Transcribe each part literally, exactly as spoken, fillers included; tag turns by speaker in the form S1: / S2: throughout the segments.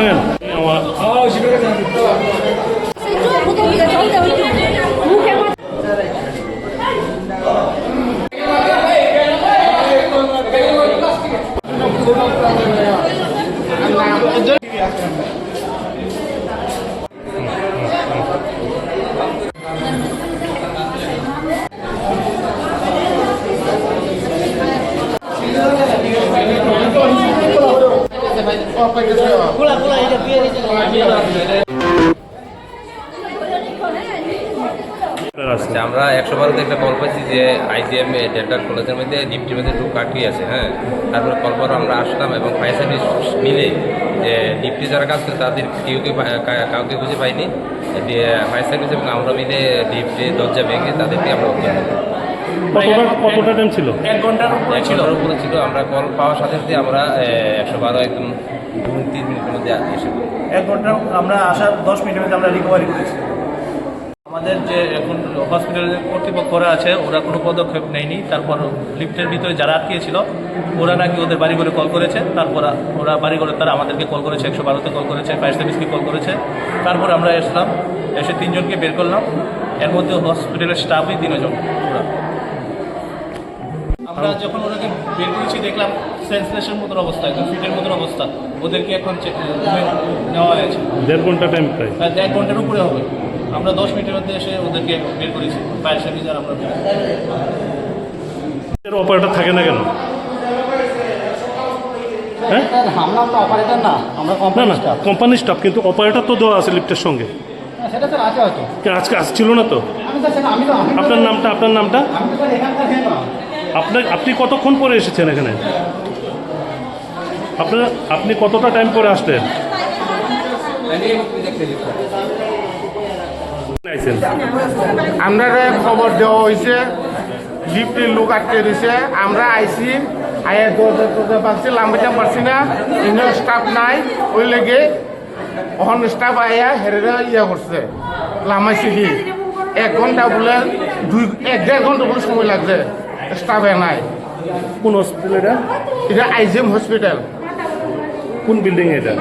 S1: ভাঙেন
S2: আমরা একশো বারোতে একটা কল পাইছি যে আইজিএম ডেন্টাল কলেজের মধ্যে ডিপটির মধ্যে ঢুক আটকে আছে। হ্যাঁ, তারপরে কল পর আমরা আসলাম এবং ফায়ার সার্ভিস মিলে যে ডিপটি যারা কাজ করে তাদের কেউকে কাউকে খুঁজে পাইনি। ফায়ার সার্ভিস এবং আমরা মিলে ডিপটি দরজা ভেঙে তাদেরকে আমরা উদ্ধার
S1: কতটা টাইম ছিল?
S2: এক ঘন্টার উপরে ছিল উপরে ছিল আমরা কল পাওয়ার সাথে সাথে আমরা একশো বারো একদম দু তিন মিনিটের মধ্যে এসে
S3: এক ঘন্টা আমরা আসার দশ মিনিটের মধ্যে আমরা রিকভারি করেছি। আমাদের যে এখন হসপিটালের কর্তৃপক্ষরা আছে ওরা কোনো পদক্ষেপ নেয়নি। তারপর লিফটের ভিতরে যারা আটকিয়েছিল ওরা নাকি ওদের বাড়ি ঘরে কল করেছে। তারপর ওরা বাড়ি ঘরে তারা আমাদেরকে কল করেছে, একশো বারোতে কল করেছে, ফায়ার সার্ভিসকে কল করেছে। তারপর আমরা এসলাম, এসে তিনজনকে বের করলাম। এর মধ্যে হসপিটালের স্টাফই তিনজন। ওরা আমরা যখন ওনাকে বের করেছি দেখলাম সেন্সলেশন মতন অবস্থা, একদম ফিটের মতন অবস্থা। ওদেরকে এখন নেওয়া হয়েছে।
S1: দেড় ঘন্টা টাইম প্রায়
S3: এক ঘন্টার উপরে হবে। আমরা দশ মিনিটের মধ্যে এসে ওদেরকে বের করেছি ফায়ার সার্ভিস আর আমরা।
S1: অপারেটর থাকে না কেন? হ্যাঁ,
S3: অপারেটর না, আমরা
S1: না না কোম্পানির স্টাফ, কিন্তু অপারেটর তো দেওয়া আছে লিফটের সঙ্গে।
S3: সেটা স্যার আছে হয়তো,
S1: আজকে আসছিল না তো।
S3: আমি তো
S1: আপনার নামটা আপনার নামটা আপনার আপনি কতক্ষণ পরে এসেছেন এখানে? আপনার আপনি কতটা টাইম পরে আসলেন?
S4: আমরা খবর দেওয়া হয়েছে লিফটের লোক আটকে দিছে। আমরা আইসি আয়া দরজা টরজা পাচ্ছি, লাম্বাইতে পারছি না, ইনো স্টাফ নাই। ওই লেগে অহন স্টাফ আয়া হেরেরা ইয়া করছে, লামাইছে কি এক ঘন্টা বলে দুই এক দেড় ঘন্টা বলে সময় লাগছে, স্টাফে নাই।
S1: কোন হসপিটাল এটা?
S4: এটা আইজিএম হসপিটাল।
S1: কোন বিল্ডিং এটা?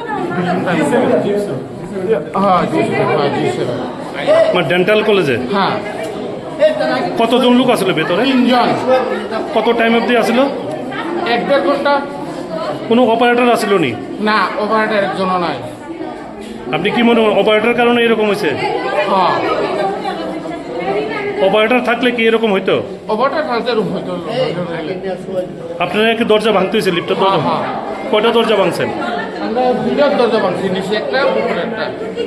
S4: হ্যাঁ জি স্যার।
S1: আমার ডেন্টাল কলেজে।
S4: হ্যাঁ।
S1: কতজন লোক আসলে ভেতরে?
S4: তিনজন।
S1: কত টাইম অবধি আসলো?
S4: এক দেড় ঘন্টা।
S1: কোনো অপারেটর আসলো নি?
S4: না, অপারেটর একজনও নাই।
S1: আপনি কি মনে হয় অপারেটর কারণে এরকম হয়েছে?
S4: হ্যাঁ,
S1: অপারেটর থাকলে কি এরকম হইতো?
S4: অপারেটর থাকতে রুম হইতো।
S1: আপনারা কি দরজা ভাঙতে হয়েছে লিফটের দরজা?
S4: হ্যাঁ।
S1: কয়টা দরজা ভাঙছেন?
S4: আমরা দুইটার দরজা ভাঙছি, নিচে একটা উপরে একটা।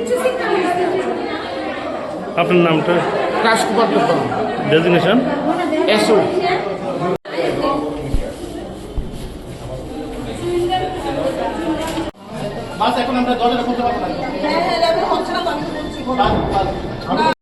S1: আপনার নামটা?
S4: রাজকুমার দোকান।
S1: ডেজিগনেশন?
S4: এসো।
S3: বাস এখন আমরা দরজাটা খুলতে পারবো না।